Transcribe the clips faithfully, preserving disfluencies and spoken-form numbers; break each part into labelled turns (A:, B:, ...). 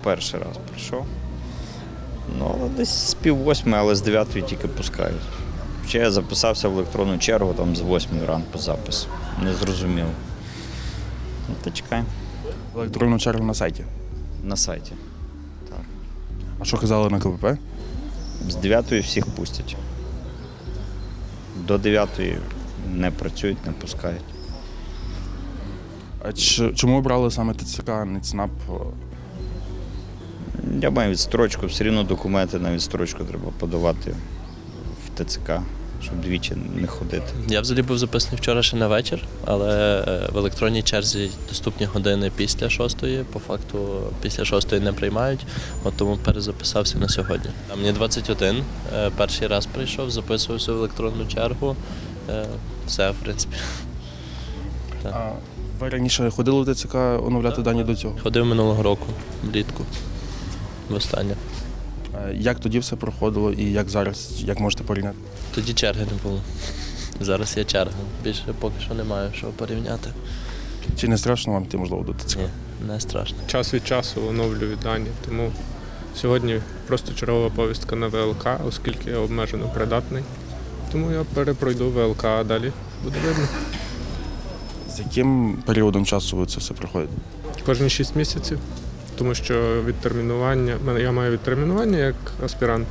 A: Перший раз прийшов. Ну, але десь з пів восьми, але з дев'ятої тільки пускають. Ще я записався в електронну чергу, там з восьмої ранку запис. Не зрозумів. Ну, та чекаємо.
B: Електронну чергу на сайті.
A: На сайті. Так.
B: А що казали на Ка Ве Пе?
A: З дев'ятої всіх пустять. До дев'ятої не працюють, не пускають.
B: А ч- чому обрали саме Те Це Ка, а не ЦНАП?
A: Я маю відстрочку, все рівно документи на відстрочку треба подавати в Те Це Ка, щоб двічі не ходити.
C: Я взагалі був записаний вчора ще на вечір, але в електронній черзі доступні години після шостої. По факту після шостої не приймають, от тому перезаписався на сьогодні. А мені двадцять один, перший раз прийшов, записувався в електронну чергу. Все, в принципі.
B: А ви раніше ходили в Те Це Ка оновляти дані до цього?
C: Ходив минулого року, влітку, востаннє.
B: Е, Як тоді все проходило і як зараз, як можете порівняти?
C: Тоді черги не було. Зараз є черга. Більше поки що немає що порівняти.
B: Чи не страшно вам йти, можливо, до Те Це Ка?
C: Ні, не страшно.
D: Час від часу оновлюю дані, тому сьогодні просто чергова повістка на Ве Ел Ка, оскільки я обмежено придатний. Тому я перепройду Ве Ел Ка, а далі буде видно.
B: З яким періодом часу ви це все проходите?
D: Кожні шість місяців, тому що відтермінування, мене- я маю відтермінування як аспірант,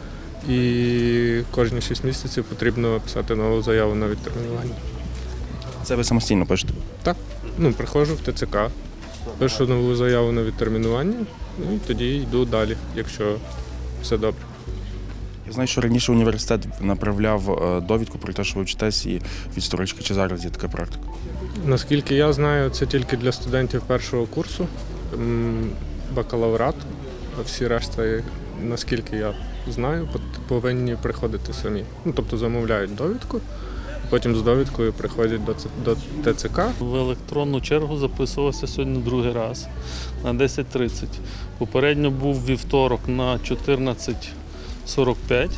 D: і кожні шість місяців потрібно писати нову заяву на відтермінування.
B: Це ви самостійно пишете?
D: Так, ну, приходжу в Те Це Ка, пишу нову заяву на відтермінування, ну і тоді йду далі, якщо все добре.
B: Я знаю, що раніше університет направляв е, довідку про те, що ви вчитесь, і відстрочки. Чи зараз є така практика?
D: Наскільки я знаю, це тільки для студентів першого курсу, м, бакалаврату, а всі решта, наскільки я знаю, пот- повинні приходити самі. Ну, тобто замовляють довідку, потім з довідкою приходять до, Ц- до Те Це Ка.
E: В електронну чергу записувався сьогодні другий раз на десять тридцять. Попередньо був вівторок на чотирнадцять сорок п'ять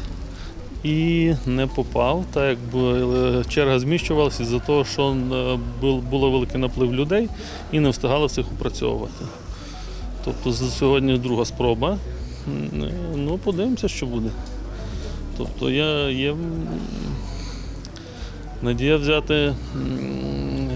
E: і не попав, так якби черга зміщувалася із-за того, що е, бу- було великий наплив людей і не встигали всіх опрацьовувати. Тобто з- сьогодні друга спроба. М, е, Ну, подивимося, що буде. Тобто я є м, надія взяти м,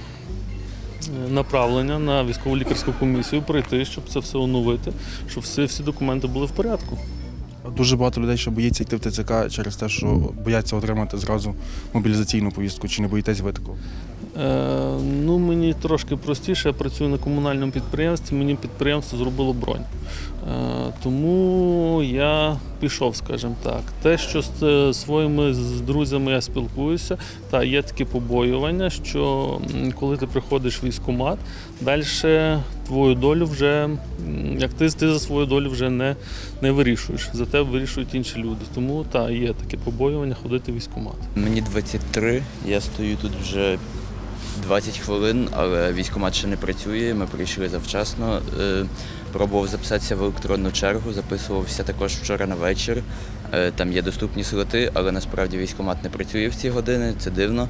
E: направлення на військово лікарську комісію, прийти, щоб це все оновити, щоб всі, всі документи були в порядку.
B: Дуже багато людей ще боїться йти в Те Це Ка через те, що бояться отримати зразу мобілізаційну повістку. Чи не боїтесь ви такого?
E: Е, ну, мені трошки простіше, я працюю на комунальному підприємстві, мені підприємство зробило бронь. Е, тому я пішов, скажімо так. Те, що з е, своїми з друзями я спілкуюся, та є таке побоювання, що м, коли ти приходиш в військкомат, далі твою долю вже, м, як ти, ти за свою долю вже не, не вирішуєш, за тебе вирішують інші люди. Тому та, є таке побоювання ходити в військкомат.
F: Мені двадцять три, я стою тут вже двадцять хвилин, але військкомат ще не працює, ми прийшли завчасно. Е, Пробував записатися в електронну чергу, записувався також вчора на вечір. Е, Там є доступні слоти, але насправді військкомат не працює в ці години, це дивно.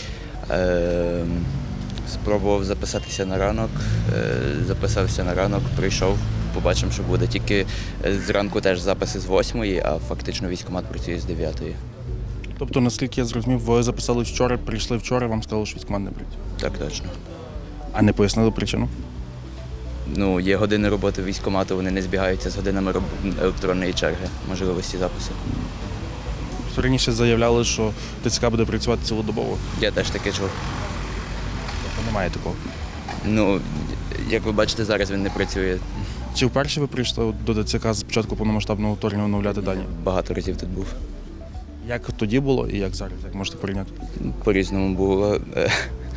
F: Е, Спробував записатися на ранок, е, записався на ранок, прийшов, побачимо, що буде. Тільки е, зранку теж записи з восьмої, а фактично військкомат працює з дев'ятої.
B: Тобто, наскільки я зрозумів, ви записали вчора, прийшли вчора, вам сказали, що військкомат не працює.
F: Так точно.
B: А не пояснили причину?
F: Ну, є години роботи військкомату, вони не збігаються з годинами роб- електронної черги, можливості запису.
B: Що раніше заявляли, що Те Це Ка буде працювати цілодобово.
F: Я теж таке чув.
B: Тобто немає такого.
F: Ну, як ви бачите, зараз він не працює.
B: Чи вперше ви прийшли до Те Це Ка з початку повномасштабного вторгнення оновляти дані?
F: Багато разів тут був.
B: Як тоді було і як зараз? Як можете порівняти?
F: По-різному було. Е,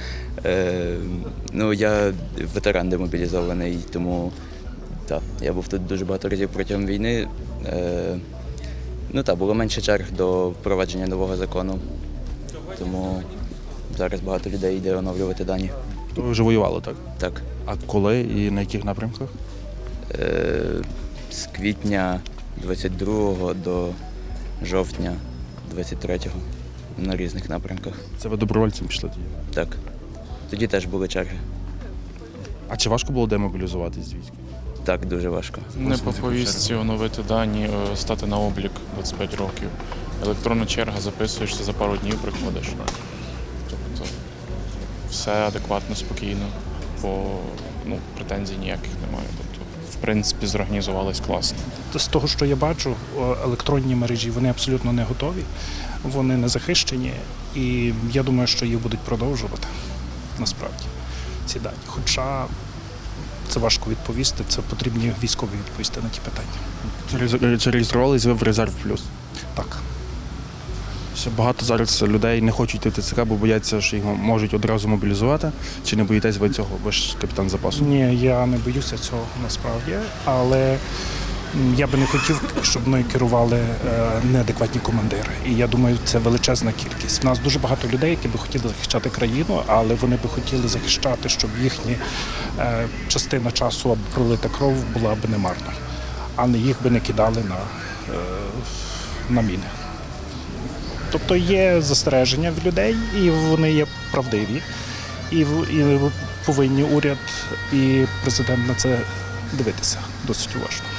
F: е, Ну, я ветеран демобілізований, тому так, я був тут дуже багато разів протягом війни. Е, Ну так, було менше черг до впровадження нового закону, тому зараз багато людей йде оновлювати дані.
B: То ви вже воювали, так?
F: Так.
B: А коли і на яких напрямках?
F: Е, З квітня двадцять другого до жовтня двадцять третього на різних напрямках.
B: Це ви добровольцем пішли тоді?
F: Так. Тоді теж були черги.
B: А чи важко було демобілізуватись з війська?
F: Так, дуже важко.
G: Не по повістці оновити дані, е, стати на облік двадцять п'ять років. Електронна черга, записуєшся, за пару днів приходиш. Тобто все адекватно, спокійно, бо ну, претензій ніяких немає. Тобто, в принципі, зорганізувались класно.
H: З того, що я бачу, о, електронні мережі вони абсолютно не готові, вони не захищені, і я думаю, що їх будуть продовжувати насправді ці дані. Хоча це важко відповісти, це потрібні військові відповісти на ті питання.
B: Чи- Чи реєструвались ви в резерв плюс?
H: Так.
B: Ще багато зараз людей не хочуть йти в ТЦК, бо бояться, що їх можуть одразу мобілізувати. Чи не боїтесь ви цього? Ви ж капітан запасу.
H: Ні, я не боюся цього насправді, але м, я би не хотів, щоб мною керували е, неадекватні командири. І я думаю, це величезна кількість. У нас дуже багато людей, які би хотіли захищати країну, але вони би хотіли захищати, щоб їхня е, частина часу або пролита кров була б не марною, а не їх би не кидали на, е, на міни. Тобто є застереження в людей, і вони є правдиві. І, в- і повинні уряд і президент на це дивитися досить уважно.